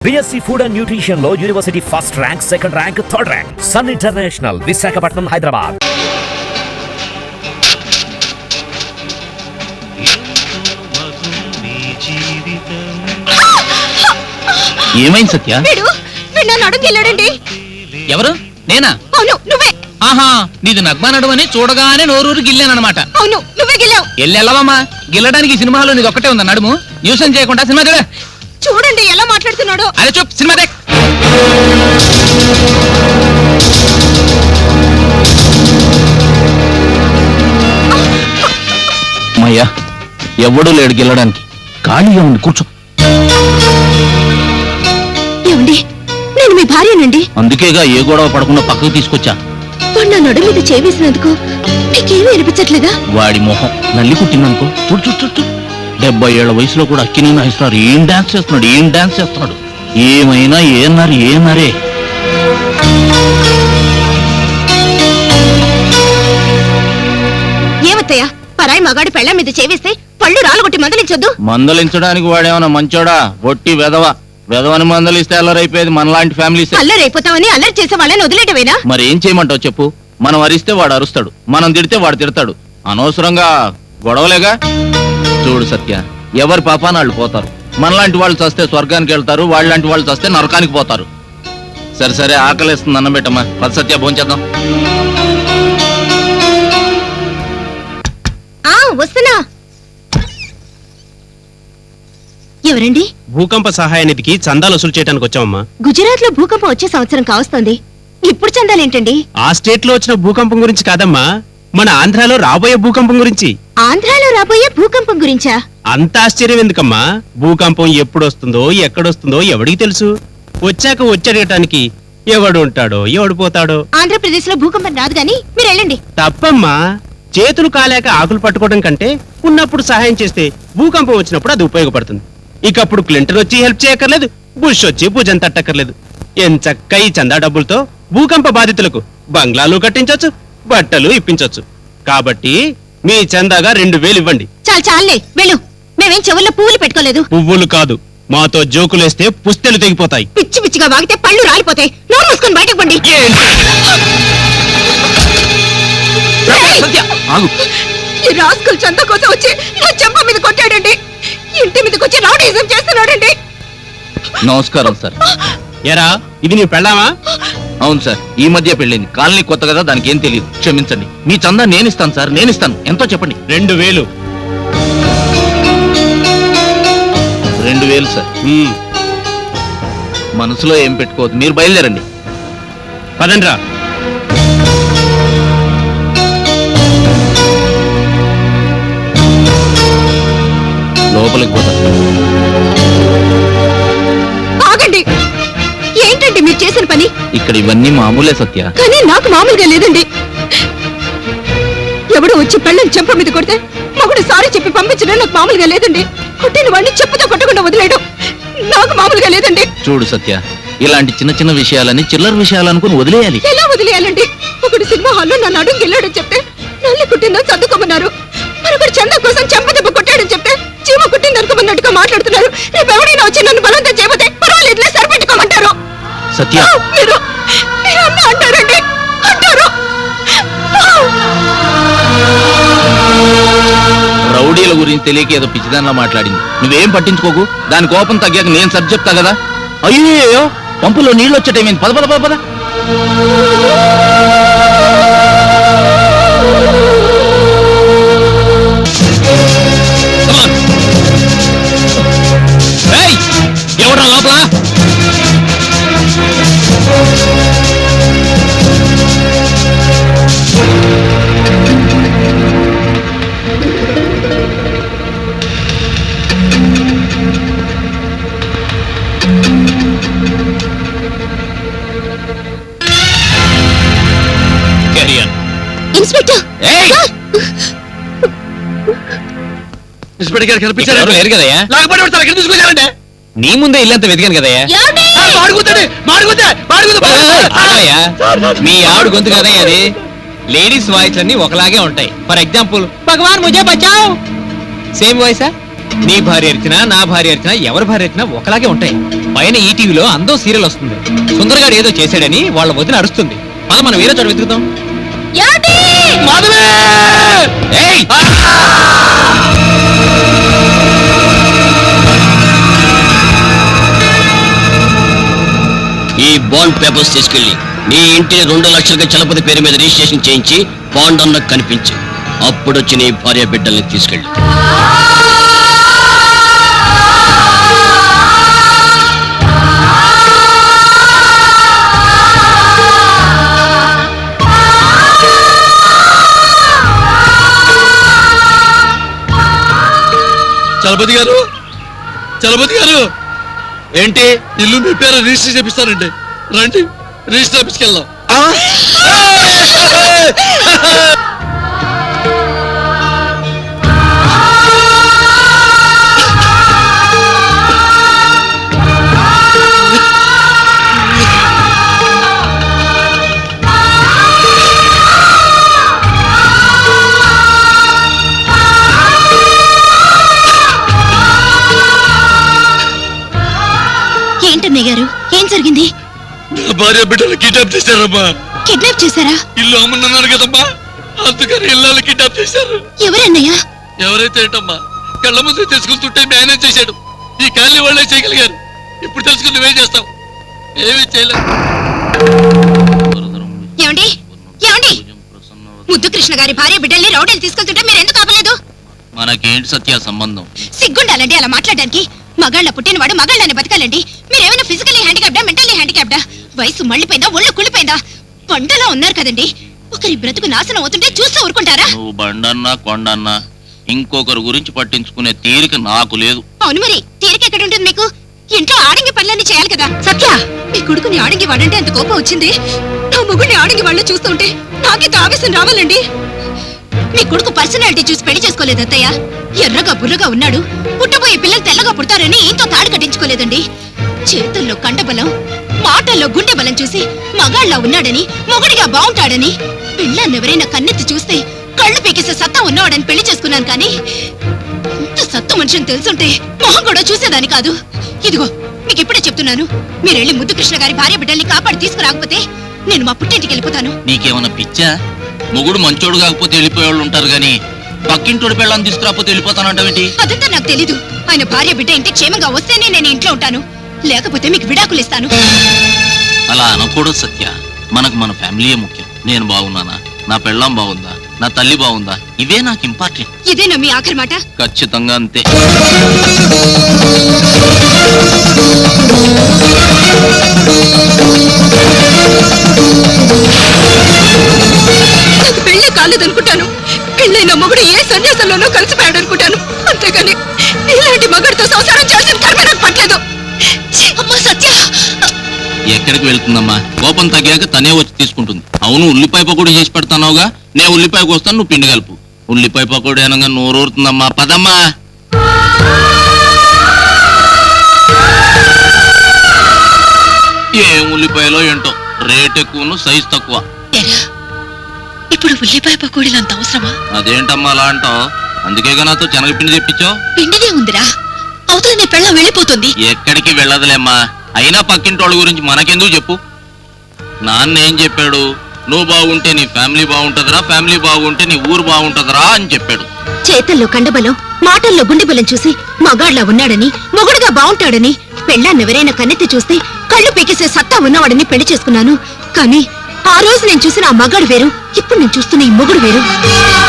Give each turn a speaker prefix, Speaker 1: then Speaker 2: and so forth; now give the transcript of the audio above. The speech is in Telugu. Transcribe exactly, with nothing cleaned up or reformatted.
Speaker 1: బిఎస్సి ఫుడ్ అండ్ న్యూట్రిషన్ లో university first rank, second rank, third rank. Sun international, Visakhapatnam, Hyderabad.
Speaker 2: ఏమైంది సత్య?
Speaker 3: అడుగుకెళ్ళాడండి.
Speaker 2: ఎవరు? నేనా?
Speaker 3: అవును నువ్వే.
Speaker 2: ఆహా, నీది నగ్మా నడుము అని చూడగానే నోరూరు గిల్లానమాట.
Speaker 3: అవును నువ్వే గిల్లావు.
Speaker 2: ఎల్లెల్లవమ్మా, గిల్లడానికి సినిమాలో నీది ఒక్కటే ఉందా నడుము? న్యూసెన్స్ చేయకుండా సినిమా చూడ.
Speaker 3: చూడండి ఎలా మాట్లాడుతున్నాడో.
Speaker 2: అరే చూప్, సినిమా దేక్. అమ్మయ్యా, ఎవడూ లేడు గిల్లడానికి. ఖాళీగా ఉంది, కూర్చో.
Speaker 3: ఏమండి, నేను మీ భార్యనండి.
Speaker 2: అందుకేగా ఏ గొడవ పడకుండా పక్కకు తీసుకొచ్చా.
Speaker 3: వాడు నా నడు మీద చేవేసినందుకు నీకేమీ అనిపించట్లేదా?
Speaker 2: వాడి మొహం నల్లి కుట్టిందనుకో. చూడు చూడు చూడు, డెబ్బై ఏళ్ల వయసులో కూడా అక్కిని నాయిస్తున్నారు. ఏం డాన్స్ చేస్తున్నాడు, ఏం డాన్స్ చేస్తున్నాడు. ఏమైనా ఏన్నారు ఏమరే.
Speaker 3: ఏమత్తయ్యా, పరాయి మగాడి పెళ్ళ మీద చేవేస్తే పళ్ళు రాలగొట్టి మందలించొద్దు.
Speaker 2: మందలించడానికి వాడేమన్నా మంచోడా? ఒట్టి వెధవ. వెధవని మందలిస్తే అల్లరైపోయేది మనలాంటి ఫ్యామిలీస్.
Speaker 3: అల్లరైపోతామని అల్లరి చేసే వాళ్ళని వదిలేటవేనా?
Speaker 2: మరి ఏం చేయమంటావు చెప్పు? మనం అరిస్తే వాడు అరుస్తాడు, మనం తిడితే వాడు తిడతాడు. అనవసరంగా గొడవలేగా. చూడు సత్య, ఎవరి పాపాన వాళ్ళు పోతారు. మనలాంటి వాళ్ళు చస్తే స్వర్గానికి వెళ్తారు, వాళ్ళలాంటి వాళ్ళు చస్తే నరకానికి పోతారు. సరే సరే, ఆకలేస్తుంది, అన్నం పెట్టమ్మా. పద సత్య, భోంచేద్దాం.
Speaker 3: వస్తున్నా. ఎవరండి?
Speaker 4: భూకంప సహాయ నిధికి చందాలు వసూలు చేయడానికి వచ్చామమ్మా.
Speaker 3: గుజరాత్ లో భూకంపం వచ్చే సంవత్సరం కావస్తుంది. ఇప్పుడు చందాలేంటండి?
Speaker 4: ఆ స్టేట్ లో వచ్చిన భూకంపం గురించి కాదమ్మా, మన ఆంధ్రాలో రాబోయే భూకంపం గురించి.
Speaker 3: ఆంధ్రాలో రాబోయే భూకంపం గురించా?
Speaker 4: అంత ఆశ్చర్యం ఎందుకమ్మా? భూకంపం ఎప్పుడు వస్తుందో ఎక్కడొస్తుందో ఎవడికి తెలుసు? వచ్చాక వచ్చేయటానికి ఎవడు ఉంటాడో ఎవడు పోతాడో.
Speaker 3: ఆంధ్రప్రదేశ్ లో భూకంపం రాదు గాని మీరు వెళ్ళండి.
Speaker 4: తప్పమ్మా, చేతులు కాలేక ఆకులు పట్టుకోవడం కంటే ఉన్నప్పుడు సహాయం చేస్తే భూకంపం వచ్చినప్పుడు అది ఉపయోగపడుతుంది. ఇకప్పుడు క్లింటన్ వచ్చి హెల్ప్ చేయక్కర్లేదు, బుష్ వచ్చి భుజం తట్టక్కర్లేదు. ఎంచక్క ఈ చందా డబ్బులతో భూకంప బాధితులకు బంగ్లాలు కట్టించొచ్చు, బట్టలు ఇప్పించొచ్చు. కాబట్టి మీ చందాగా రెండు వేలు ఇవ్వండి.
Speaker 3: చాలు చాలే, వెళ్ళు. మేమేం చెవుల్లో పువ్వులు పెట్టుకోలేదు.
Speaker 4: పువ్వులు కాదు, మాతో జోకులేస్తే పుస్తెలు తెగిపోతాయి.
Speaker 3: పిచ్చి పిచ్చిగా వాగితే పళ్ళు రాలిపోతాయి. నోరు మూసుకొని బయటకు పండి. ఈ రాస్కల్ చందా కోసం వచ్చి నా చెంప మీద కొట్టాడండి. ఇంటి మీదకి వచ్చి రౌడీజం చేస్తున్నాడండి.
Speaker 2: నమస్కారం సార్.
Speaker 4: ఎరా, ఇది నీ పెళ్ళామా?
Speaker 2: అవును సార్, ఈ మధ్య పెళ్ళింది. కాలనీ కొత్త కదా, దానికి ఏం తెలియదు. క్షమించండి. మీ చందా నేను ఇస్తాను సార్, నేను ఇస్తాను. ఎంతో చెప్పండి.
Speaker 4: రెండు వేలు.
Speaker 2: రెండు వేలు సార్. మనసులో ఏం పెట్టుకోవద్దు, మీరు బయలుదేరండి.
Speaker 4: పదండ్రా.
Speaker 2: లోపలికి పోతా.
Speaker 3: ఆగండి. ఏంటండి మీరు చేసిన పని?
Speaker 2: ఇక్కడ ఇవన్నీ మామూలే సత్య.
Speaker 3: కానీ నాకు మామూలుగా లేదండి. ఎవడు వచ్చి పెళ్ళని చెంప మీద కొడితే మగుడు సారీ చెప్పి పంపించడం నాకు మామూలుగా లేదండి. కొట్టిన వాడిని చెప్పుతో కొట్టకుండా వదిలేయడం నాకు మామూలుగా లేదండి.
Speaker 2: చూడు సత్య, ఇలాంటి చిన్న చిన్న విషయాలని చిల్లర విషయాలు అనుకుని వదిలేయాలి.
Speaker 3: ఎలా వదిలేయాలండి? ఒకడు సినిమా హాల్లో నన్ను అడుగు వెళ్ళాడని చెప్తే నల్లి కుట్టిందని సర్దుకోమన్నారు. మరొకటి చందా కోసం చెంప దెబ్బ కొట్టాడని చెప్తే చీమ కుట్టింది అనుకోమన్నట్టుగా మాట్లాడుతున్నారు. రేపు ఎవరైనా వచ్చి నన్ను బలవంతం చేయబోతే పర్వాలేదులే, సరిపెట్టుకోమంటారు.
Speaker 2: సత్య,
Speaker 3: మీరు మీరు అన్న అంటారండి, అంటారు.
Speaker 2: రౌడీల గురించి తెలియక ఏదో పిచ్చిదానిలా మాట్లాడింది. నువ్వేం పట్టించుకోకు. దాని కోపం తగ్గాక నేను సరి చెప్తా కదా. అయ్యో, పంపులో నీళ్ళు వచ్చేటేమైంది. పద పద పద పద. ఎవరా లోపల?
Speaker 3: ఇన్స్పెక్టర్,
Speaker 2: ఇన్స్పెక్టర్ గారు కనిపించారు. లేరు కదయ్యా. నీ ముందే ఇల్లంతా వెతికాను కదయ్యా. మీ ఆవిడ గొంతు కదయ్యా అది. లేడీస్ వాయిస్ అన్ని ఒకలాగే ఉంటాయి. ఫర్ ఎగ్జాంపుల్, భగవాన్ ముజే బచావ్, సేమ్ వాయిసా? నీ భార్య అరిచినా నా భార్య అరిచినా ఎవరి భార్య అరిచినా ఒకలాగే ఉంటాయి.
Speaker 5: పైన ఈటీవీలో అందం సీరియల్ వస్తుంది. సుందరగాడు ఏదో చేశాడని వాళ్ళ వదిన అరుస్తుంది. పద మనం వేరే చోట వెతుకుతాం. ఏయ్!
Speaker 6: ఈ బాండ్ పేపర్స్ తీసుకెళ్లి నీ ఇంటిని రెండు లక్షలకి చలపతి పేరు మీద రిజిస్ట్రేషన్ చేయించి బాండ్ అన్న కనిపించి అప్పుడు వచ్చి నీ భార్య బిడ్డల్ని తీసుకెళ్ళి.
Speaker 7: చలపతి గారు, చలపతి గారు,
Speaker 2: ఏంటి?
Speaker 7: ఇల్లు మీ పేరు రిజిస్టర్ చేపిస్తానండి. రండి, రిజిస్టర్ ఆఫీస్కి వెళ్దాం.
Speaker 3: ఏంటన్నయ్య గారు, ఏం జరిగింది?
Speaker 7: నా భార్య బిడ్డలు కిడ్నాప్ చేశారమ్మా.
Speaker 3: కిడ్నాప్ చేశారా?
Speaker 7: ఇల్లు అమ్మన్నాను కదమ్మా, అందుకని ఇల్లు కిడ్నాప్ చేశారు.
Speaker 3: ఎవరన్నయ్యా?
Speaker 7: ఎవరైతే ఏంటమ్మా, కళ్ళ ముందు తెలుసుకుంటుంటే మేనేజ్ చేశాడు. ఈ కాలనీ వాళ్ళే చేయగలిగారు. ఇప్పుడు తెలుసుకుని నువ్వేం చేస్తావు? ఏమీ చేయలేదు.
Speaker 3: ఏమండి ఏమండి ముద్దు కృష్ణ గారి భార్య బిడ్డల్ని రౌడీలు తీసుకెళ్తుంటే మీరు ఎందుకు ఆపలేదు?
Speaker 2: మనకేంటి సత్య సంబంధం?
Speaker 3: సిగ్గుండాలండి అలా మాట్లాడడానికి. మగాళ్ళ పుట్టినవాడు మగాళ్ళని బతకాలండి. మీరేమైనా ఫిజికల్లీ హ్యాండిక్యాప్డా, మెంటల్లీ హ్యాండిక్యాప్డా? వయసు మళ్ళీపోయిందా, ఒళ్ళు కుళ్ళిపోయిందా? పండలా ఉన్నారు కదండి. ఒకరి బ్రతుకు నాశనం అవుతుంటే చూస్తూ ఊరుకుంటారా?
Speaker 2: నువ్వు బండన్నా కొండన్నా ఇంకొకరి గురించి పట్టించుకునే తీరిక నాకు లేదు.
Speaker 3: అవును, మరి తీరిక ఎక్కడ ఉంటుంది మీకు? ఇంట్లో ఆడంగి పనులన్నీ చేయాలి కదా. సత్య, మీ కొడుకుని ఆడంగి వాడంటే అంత కోపం వచ్చింది. నా మొగుడిని ఆడంగి వాళ్ళు చూస్తుంటే నాకే ఆవేశం రావాలండి. మీ కొడుకు పర్సనాలిటీ చూసి పెళ్లి చేసుకోలేదు అత్తయ్య. ఎర్రగా బుర్రగా ఉన్నాడు. పుట్టబోయే పిల్లలు తెల్లగా పుడతారని ఇంతో తాడు కట్టించుకోలేదండి. చేతుల్లో కండబలం, మాటల్లో గుండె బలం చూసి మగాళ్ళ ఉన్నాడని, మొగుడిగా బాగుంటాడని, పిల్లన్నెవరైనా కన్నెత్తి చూస్తే కళ్ళు పీకేసే సత్తా ఉన్నవాడని పెళ్లి చేసుకున్నాను. కానీ ఇంత సత్తు మనిషిని తెలుసుంటే మొహం కూడా చూసేదాని కాదు. ఇదిగో మీకు ఇప్పుడే చెప్తున్నాను, మీరెళ్ళి ముద్దు కృష్ణ గారి భార్య బిడ్డల్ని కాపాడి తీసుకురాకపోతే నేను మా పుట్టింటికి వెళ్ళిపోతాను.
Speaker 2: నీకేమన్నా పిచ్చా? మొగుడు మంచోడు కాకపోతే వెళ్ళిపోయేవాళ్ళు ఉంటారు గాని పక్కింటోడి పెళ్ళని తీసుకురాకపోతే వెళ్ళిపోతానంటావేంటి?
Speaker 3: అదంతా నాకు తెలీదు. ఆయన భార్య బిడ్డ ఇంటికి క్షేమంగా వస్తేనే నేను ఇంట్లో ఉంటాను, లేకపోతే మీకు విడాకులు ఇస్తాను.
Speaker 2: అలా అనకూడదు సత్య. మనకు మన ఫ్యామిలీయే ముఖ్యం. నేను బాగున్నానా, నా పెళ్ళాం బాగుందా, నా తల్లి బాగుందా, ఇవే నాకు ఇంపార్టెంట్.
Speaker 3: ఇదేనా మీ ఆఖరి మాట?
Speaker 2: ఖచ్చితంగా అంతే.
Speaker 3: నాకు పెళ్లి కాలేదనుకుంటాను. పెళ్ళైన మొగుడు ఏ సన్యాసంలోనూ కలిసిపోయాడు అనుకుంటాను. అంతేగాని ఇలాంటి మగుడితో సంసారం చేసిన కర్మ నాకు పట్టలేదు. అమ్మా సత్య!
Speaker 2: ఎక్కడికి వెళ్తుందమ్మా? కోపం తగ్గాక తనే వచ్చి తీసుకుంటుంది. అవును, ఉల్లిపాయ పకోడీ చేసి పెడతానవుగా, నేను ఉల్లిపాయకు వస్తాను, నువ్వు పిండి కలుపు. ఉల్లిపాయ పకోడీ అనగా నోరూరుతుందమ్మా. పదమ్మా. ఏం ఉల్లిపాయలో ఏంటో, రేట్ ఎక్కువను సైజ్ తక్కువ.
Speaker 3: ఇప్పుడు ఉల్లిపాయ పకోడీలు అంత అవసరమా?
Speaker 2: అదేంటమ్మా అలా అంటావు? అందుకేగా నాతో శనగపిండి తెప్పించావు.
Speaker 3: పిండినే ఉందిరా, అవతల నీ పెళ్ళం వెళ్ళిపోతుంది.
Speaker 2: ఎక్కడికి వెళ్ళదులేమ్మా. అయినా పక్కింటోళ్ళ గురించి మనకెందుకు చెప్పు. నాన్న ఏం చెప్పాడు? నువ్వు బాగుంటే నీ ఫ్యామిలీ బాగుంటదిరా, ఫ్యామిలీ బాగుంటే నీ ఊరు బాగుంటదిరా అని చెప్పాడు.
Speaker 3: చేతల్లో కండబలం, మాటల్లో గుండెబలం చూసి మగాళ్ళ ఉన్నాడని, మొగుడుగా బాగుంటాడని, పెళ్ళాన్నెవరైనా కన్నెత్తి చూస్తే కళ్ళు పీకేసే సత్తా ఉన్నవాడని పెళ్లి చేసుకున్నాను. కానీ ఆ రోజు నేను చూసిన ఆ మగాడు వేరు, ఇప్పుడు నేను చూస్తున్న ఈ మొగుడు వేరు.